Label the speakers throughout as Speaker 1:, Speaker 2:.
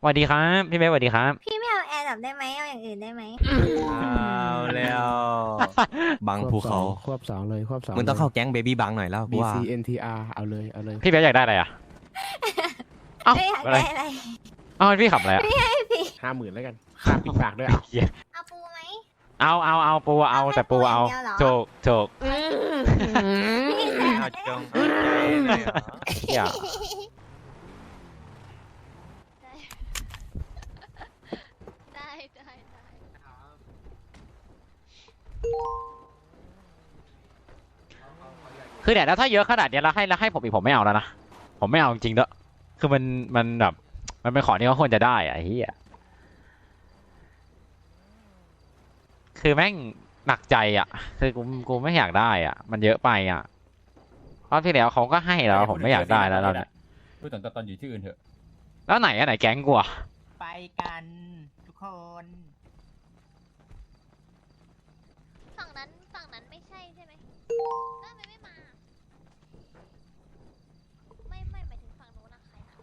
Speaker 1: วัสดีครับพี่เบสสวัสดีครับ
Speaker 2: พี่ไม่เอาแอร์ดับได้ไหมเอาอย่างอื่นได้ไหม
Speaker 3: เอาแล้วบังภูเขา
Speaker 4: ควบสองเลยควบสอง
Speaker 3: มึงต้องเข้าแก๊งเบบี้บังหน่อยแล้วกูว่า
Speaker 4: BCNTR เอาเลยเอาเลย
Speaker 1: พี่เบสอยากได้อะไรอ่ะเอ้า
Speaker 2: ไม่อยาก
Speaker 1: อะไร
Speaker 2: ได้อะไร
Speaker 1: เอ้าพี่ขับอะไรอ่ะ
Speaker 4: 50,000แล้วกันค่าปิดปากด้วยอ่ะ
Speaker 2: เอาปูไหม
Speaker 1: เอาปูเอา
Speaker 2: เอาแค่
Speaker 1: แต่ปูเอา
Speaker 2: ปูอย่างเดียวเหรอ
Speaker 1: ถูก
Speaker 2: พี่แส
Speaker 3: เอา
Speaker 2: บ
Speaker 3: จงเอาใจเลยเหรอ
Speaker 1: อย่า
Speaker 5: ได้ได้
Speaker 1: คือเนี่ยแล้วถ้าเยอะขนาดเนี้ยแล้วให้ผมอีกผมไม่เอาแล้วนะผมไม่เอาจริงๆเด้อคือมันแบบมันเป็นของที่เขาควรจะได้อะไอ้เหี้ยคือแม่งหนักใจอ่ะคือกูไม่อยากได้อ่ะมันเยอะไปอ่ะรอบที่แล้วเขาก็ให้แล้วผมไม่อยากได้แล้วเนี่ย
Speaker 6: พูดถึงตอนอยู่ที่อื่นเถอะ
Speaker 1: แล้วไหนอะไหนแก๊งกูอะ
Speaker 7: ไปกันทุกคน
Speaker 5: ฝั่งนั้นไม่ใช่ใช่ไหมทำไมไม่มา ไม่หมายถึงฝั่งนู้นนะใครนะ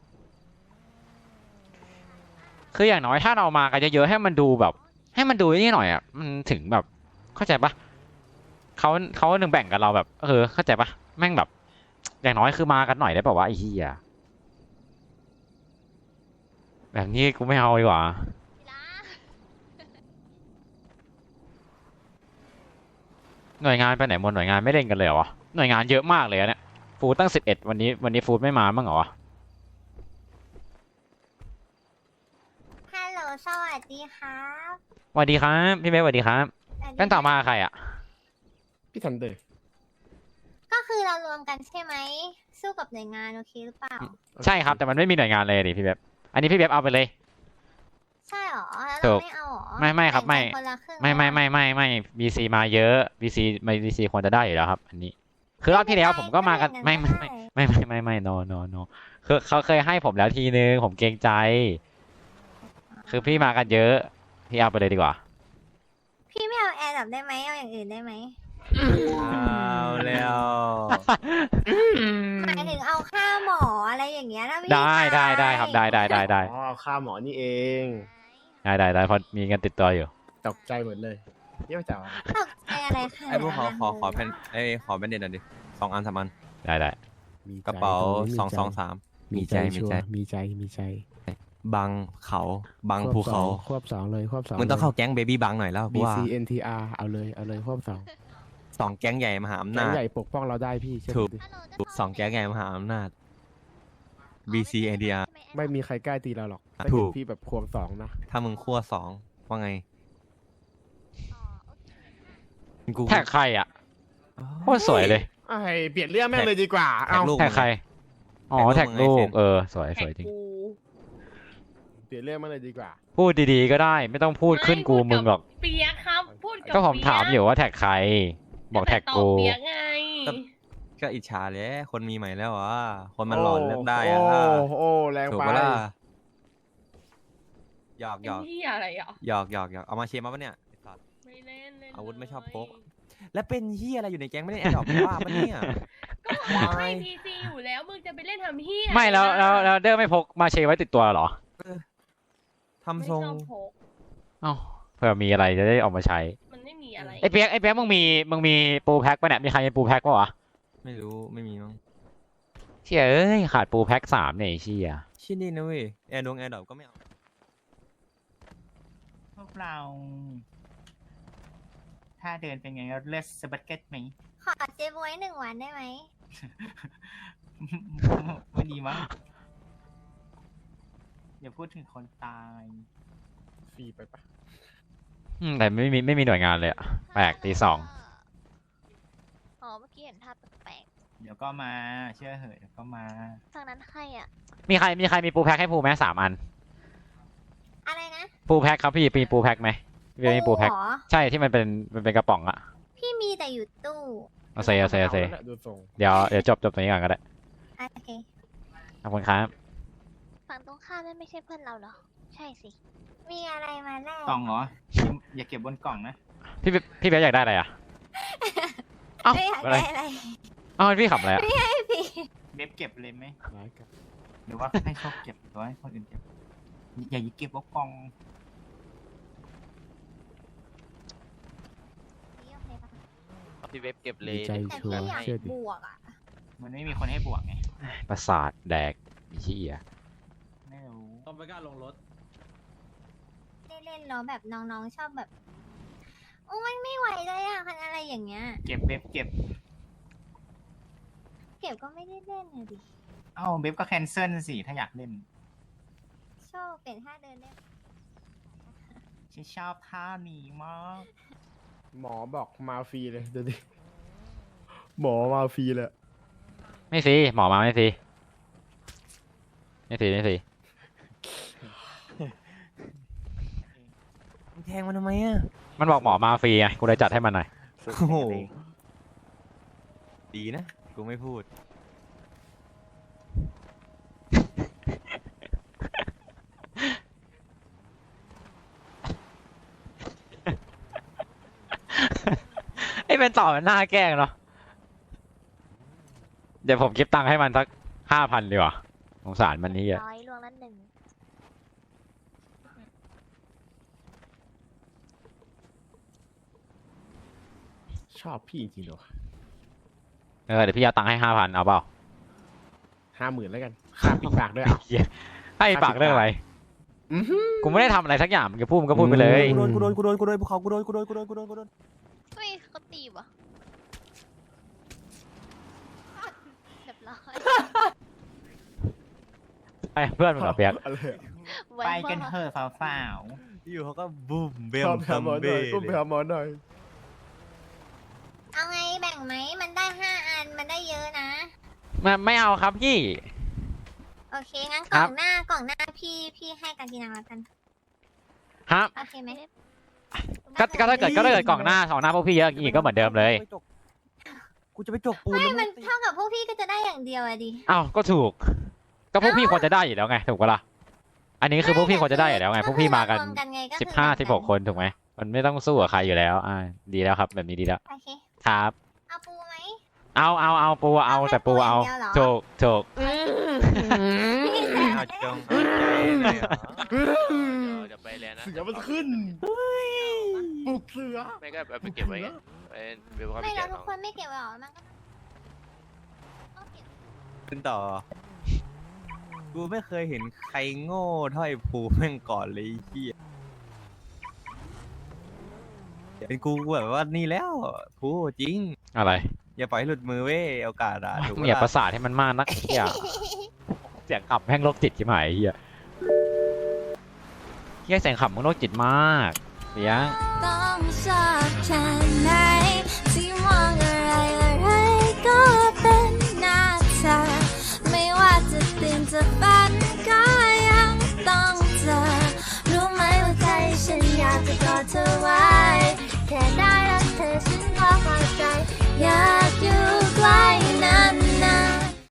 Speaker 1: คืออย่างน้อยถ้าเรามากันเยอะๆให้มันดูแบบ ให้มันดูนี่หน่อยอ่ะมันถึงแบบเข้าใจปะเขาหนึ่งแบ่งกันเราแบบเข้าใจปะแม่งแบบ อย่างน้อยคือมากันหน่อยได้ป่าวะไอ้เหี้ยแบบนี้กูไม่เอาดีกว่า
Speaker 5: ทีละ
Speaker 1: หน่วยงานไปไหนหมดหน่วยงานไม่เล่นกันเลยเหรอวะหน่วยงานเยอะมากเลยอะเนี่ยฟูดตั้ง11วันนี้ฟูดไม่มาบ้างเหรอวะ
Speaker 2: ฮัลโหลสวัสดีครับ
Speaker 1: สวัสดีครับพี่เบสสวัสดีครับเป็นต่อมาใครอ่ะ
Speaker 4: พี่ทันเดอร์
Speaker 2: ก็คือเรารวมกันใช่ไหมสู้กับหน่วยงานโอเคหรือเปล่า
Speaker 1: ใช่ครับแต่มันไม่มีหน่วยงานเลยดิพี่เบสอันนี้พี่เบสเอาไปเลย
Speaker 2: ใช่หรอแล้ว
Speaker 1: ถู
Speaker 2: เรา
Speaker 1: ก
Speaker 2: ไม่เอาหรอ
Speaker 1: ไม่ครับไม่
Speaker 2: แบ่งกันคนละครึ่ง
Speaker 1: ไม่ BC มาเยอะ BC ควรจะได้อยู่แล้วครับ อันนี้ คือรอบที่แล้วผมก็มากันไม่ no คือเขาเคยให้ผมแล้วทีนึงผมเกรงใจ คือพี่มากันเยอะพี่เอาไปเลยดีกว่า
Speaker 2: พี่ไม่เอาแอร์ดับได้ไหมเอาอย่างอื่นได้ไหม
Speaker 3: เอาแล้ว
Speaker 2: หมายถึงเอาค่าหมออะไรอย่างเงี้ยนะพี่
Speaker 1: ได้ครับได้
Speaker 4: อ๋อค่าหมอนี่เอง
Speaker 1: ได้เพราะมีเงินติดตัวอยู่
Speaker 4: ตกใจหมดเลยเยี่ยมจ๋า
Speaker 2: ตกใจอะไรค่ะ
Speaker 3: ไอ้พวกขอแผ่นขอแบนเด็ดหน่อยดิ2 อัน 3 อัน
Speaker 1: ได้
Speaker 4: มีใจ
Speaker 3: กระเป๋า
Speaker 4: ตรงนี้
Speaker 3: 223มีใจ
Speaker 4: ชัวร์มีใจ
Speaker 3: บังเขาบังภูเขา
Speaker 4: ควบสองเลยควบสอง
Speaker 3: มึงต้องเข้าแก๊งเบบี้บังหน่อยแล้วกูว่า
Speaker 4: BCNTR เอาเลยเอาเลยควบสอง
Speaker 3: 2 แก๊งใหญ่มหาอำ
Speaker 4: แก๊
Speaker 3: นาง จ
Speaker 4: ใหญ่ปกป้องเราได้พี่เชื่อ
Speaker 3: ถูก
Speaker 4: ผมดิ
Speaker 5: ฮัลโหลจะ
Speaker 3: 2 แก๊งใหญ่มหาอำนาจ BCNTR
Speaker 4: ไม่มีใครกล้าตีเราหรอกถ้า
Speaker 3: ถู
Speaker 4: เห็น
Speaker 3: ก
Speaker 4: พี่แบบควงสองนะ
Speaker 3: ถ้ามึงขั้ว2ว่าไง
Speaker 5: อ๋อโอเค
Speaker 3: กู
Speaker 1: แท็กใครอ่ะโคตรสวยเลย
Speaker 4: ไอ้เปลี่ยนเรื่องแม่งเลยดีกว่า
Speaker 3: แท็
Speaker 4: เอา
Speaker 3: กลูก
Speaker 1: แท็กใครอ๋อ
Speaker 3: แท็
Speaker 1: แท็
Speaker 3: ก
Speaker 1: ก
Speaker 3: ลู
Speaker 1: ลู
Speaker 3: ก
Speaker 1: กสวยจริง
Speaker 4: เปลี่ยนเรื่องแม่งเลยดีกว่า
Speaker 1: พูดดีๆก็ได้ ไม่ต้องพูดขึ้นกูมึงหรอก
Speaker 8: เปียกครับพูดกับ
Speaker 1: ก็ผมถามอยู่ว่าแท็กใคร บอกแท็ก
Speaker 8: ตอบ
Speaker 1: กู
Speaker 8: เปียกไง
Speaker 3: ก็อิจฉาเลยคนมีใหม่แล้วอ่ะคนมันหล่อเลือกได้อ่ะ
Speaker 4: โอ้แรง
Speaker 3: ถูก
Speaker 4: ไป
Speaker 3: ปะล่ะหยอก
Speaker 8: เป็นที่อะไรอ่ะ
Speaker 3: หยอกเอามาเชียร์มาปะเนี่ยไอ้สัตว์
Speaker 8: ไม่เล่นเล่น
Speaker 3: อาวุธไม่ชอบพก
Speaker 8: เลย
Speaker 3: แล้วเป็นเฮียอะไรอยู่ในแก๊งไม่ได้แอดดอกว่าปะเนี่ย
Speaker 8: ก็บอกว่าให้พีซีอยู่แล้วมึงจะไปเล่นทำเฮีย
Speaker 1: ไม่แล้วเดอร์ไม่พกมาเชไว้ติดตัวเหรอ
Speaker 3: ทำ
Speaker 8: ไม่
Speaker 3: ทรง
Speaker 8: ชอบพก
Speaker 1: เอ้าเผื่อมีอะไรจะได้ออกมาใช้
Speaker 8: มันไม่มีอะไร
Speaker 1: ไอ้เปียกมึงมีปูแพ็คปะเนี่ยมีใครมีปูแพ็คปะวะ
Speaker 3: ไม่รู้ไม่มีมั้ง
Speaker 1: เชี่ยขาดปูแพ็ค3เนี่ยไอ้เชี่ย
Speaker 3: ชิ้นนี้นะเว้ยแอร์ดอกก็ไม่เอา
Speaker 7: พวกเรา ถ้าเดินเป็นไงก็เลือดสบัดเก็ตไหม
Speaker 2: ขอเจบวย1 วันได้ไหม
Speaker 7: ไม่ดีมั้งอย่าพูดถึงคนตาย
Speaker 4: ฟรีไปปะ
Speaker 1: แต่ไม่มีหน่วยงานเลยอะแปลกตี 2
Speaker 5: อ๋อเมื่อกี้เห็นท่าแปลก
Speaker 7: เดี๋ยวก็มาเชื่อเหอะเดี๋ยวก็มา
Speaker 5: ๆฝั่งนั้นใครอ่ะ
Speaker 1: มีใครมีปูแพ็คให้ปูไหม3 อัน
Speaker 2: อะไรนะ
Speaker 1: ปูแพ็คครับพี่มีปูแพ็คไหมพี่มีปูแพ็ค
Speaker 2: เหรอ
Speaker 1: ใช่ที่มันเป็นกระป๋องอะ
Speaker 2: พี่มีแต่อยู่ตู้
Speaker 1: เอาเซ
Speaker 4: ดูทรง
Speaker 1: เดี๋ยวจบตรงนี้ก่อนก็ได้
Speaker 2: โอเค
Speaker 1: ขอบคุณครับ
Speaker 5: ฝั่งตรงข้ามนั่นไม่ใช่เพื่อนเราเหรอ ใช่สิ
Speaker 2: มีอะไรมาแลก
Speaker 7: กล่องเหรอ อย่าเก็บบนกล่องนะ
Speaker 1: พี่เบสอยากได้อะไรอะเอ้า
Speaker 2: ไม่อยาก
Speaker 1: อะไร
Speaker 2: ได้อะไร
Speaker 1: เอ้าพี่ขับอะไรอะ
Speaker 2: พี่
Speaker 7: เว็บเก็บเลยไหม
Speaker 4: ร้ายกัน
Speaker 7: หรือว่าให้ชอบเก็บหรือว่าให้คนอื่นเก็บอย่าเก็บว่ากล่อง
Speaker 2: นี่โอเคปะ
Speaker 6: พี่เว็บเก็บเลย
Speaker 4: ดีใจ
Speaker 2: แต่
Speaker 4: ชัว
Speaker 2: พี่
Speaker 4: ร์
Speaker 2: อยาก
Speaker 4: เชื่อดิ
Speaker 2: บวกอ่ะ
Speaker 7: มันไม่มีคนให้บวกไง
Speaker 1: ประสาทแดกไอ้เหี้ย
Speaker 7: ไม่รู้
Speaker 3: ต้องไปกล้าลงรถ
Speaker 2: เล่นๆแล้วแบบน้องๆชอบแบบ โอ้ยไม่ไหวเลยอ่ะคันอะไรอย่างเงี้ย
Speaker 7: เก็บเว็บเก็บ
Speaker 2: เก็บก็ไม่ได้เล่นเลยดิ
Speaker 7: เอ้าเว็บก็แคนเซิลสิถ้าอยากเล่น
Speaker 2: โชว์เป็นท่าเดินได้
Speaker 7: ฉันชอบท่านี้มาก
Speaker 4: หมอบอกมาฟรีเลยดูดิหมอมาฟรีเลย
Speaker 1: ไม่ฟรีหมอมาไม่ฟรีไม่ฟรีไม่ฟรี
Speaker 3: มึงแทงมันทำไมอ่ะ
Speaker 1: มันบอกหมอมาฟรีไงกูเลยจัดให้มันหน่อย
Speaker 3: โอ้โห ดีนะ กูไม่พูด
Speaker 1: ไอ้เป็นต่อมันหน้าแกล้งเนาะเดี๋ยวผมเก็บตังค์ให้มันสัก5,000ดีกว่าสงสารมันนี่อ่ะ
Speaker 5: ร้อยรวงละหนึ่ง
Speaker 4: ชอบพี่จริงๆเหรอ
Speaker 1: เดี๋ยวพี่เอาตังค์ให้5,000เอาเปล่า
Speaker 4: 50,000แล้วกันค่าปิดปากด้วยอ่ะ
Speaker 1: เหี้ยให้ปากเรื่องอะไร
Speaker 4: อื้อหือ
Speaker 1: กูไม่ได้ทำอะไรสักอย่างมึงจะพูดมึงก็พูดไปเลย
Speaker 3: กูโดนภูเขากูโดน
Speaker 5: เฮ้ยเขาตีวะเรียบร้อย
Speaker 1: ไอ้เพื่อนมึงเหรอเปียก
Speaker 4: อะไรอะ
Speaker 5: ไว
Speaker 7: ไปกัน
Speaker 5: มา
Speaker 7: เถอะสาว
Speaker 3: อยู่เขาก็บูมเบ
Speaker 4: ช
Speaker 3: ม
Speaker 4: อบไปหาหมอหน่อยอุ้มไปหาหมอหน่อย
Speaker 2: เอาไงแบ่งไหม มันได้5 อัน มันได้เยอะนะ
Speaker 1: ไม่เอาครับพี่
Speaker 2: โอเค งั้น
Speaker 1: ค
Speaker 2: ก
Speaker 1: รั
Speaker 2: ล่
Speaker 1: บ
Speaker 2: องหน้าพี่ให้กันทีนังแล้วกัน
Speaker 1: ฮะ
Speaker 2: โอเคไหม
Speaker 1: ก็ถ้าเกิดกล่องหน้าสองหน้าพวกพี่เยอะอีกก็เหมือนเดิมเลย
Speaker 3: กูจะไปจกปูน
Speaker 2: ไม่
Speaker 3: แล้ว
Speaker 2: มันเท่ากับพวกพี่ก็จะได้อย่างเดียวอะดิ
Speaker 1: อ้าวก็ถูก ก็พวกพี่ควรจะได้อยู่แล้วไงถูกปะล่ะอันนี้คือพวกพี่ควรจะได้อยู่แล้วไงพวกพี่มากัน
Speaker 2: รวไงก็คือ
Speaker 1: 15-16 คนถูกไหมมันไม่ต้องสู้กับใครอยู่แล้วดีแล้วครับแบบนี้ดีแล้ว
Speaker 2: โอเค
Speaker 1: ครับ
Speaker 2: เอาปูไหม
Speaker 1: เอาปูเอาแต่ปูเอา
Speaker 2: แค่ปูอย่างเดียวเหรอ
Speaker 1: ถูก
Speaker 2: พี่แสบ
Speaker 3: เอาจงเอาใจเลยเหรอ
Speaker 6: เดี๋ยวไปแล้วนะ
Speaker 4: เสือมันขึ้นปลุกเสือ
Speaker 6: ไม่ก็เอาไปเก็บไว้ไงไปเว็บเขาไป
Speaker 2: ไม่
Speaker 6: แจ
Speaker 2: เรา
Speaker 6: ก
Speaker 2: ทุก
Speaker 6: น้อง
Speaker 2: คนไม่เก็บไว้หรอ มันก็ต้องเก็บ
Speaker 3: ขึ้นต่อ กูไม่เคยเห็นใครโง่เท่าไอ้ภูแม่งก่อนเลยไอ้เหี้ยเป็นกูแบบว่านี่แล้วภูจริง
Speaker 1: อะไร
Speaker 3: อย่าปล่อยให้หลุดมือเว้ยโอกาสอะถูก
Speaker 1: มึง
Speaker 3: ปะ
Speaker 1: อย่าประ
Speaker 3: ล่ะ
Speaker 1: สาทให้มันมากนักเฮียเสียงขับแม่งโรคจิตชิบหายเฮียเฮียเสียงขับมึงโรคจิตมากเสียง
Speaker 9: ต้องชอบฉันนะ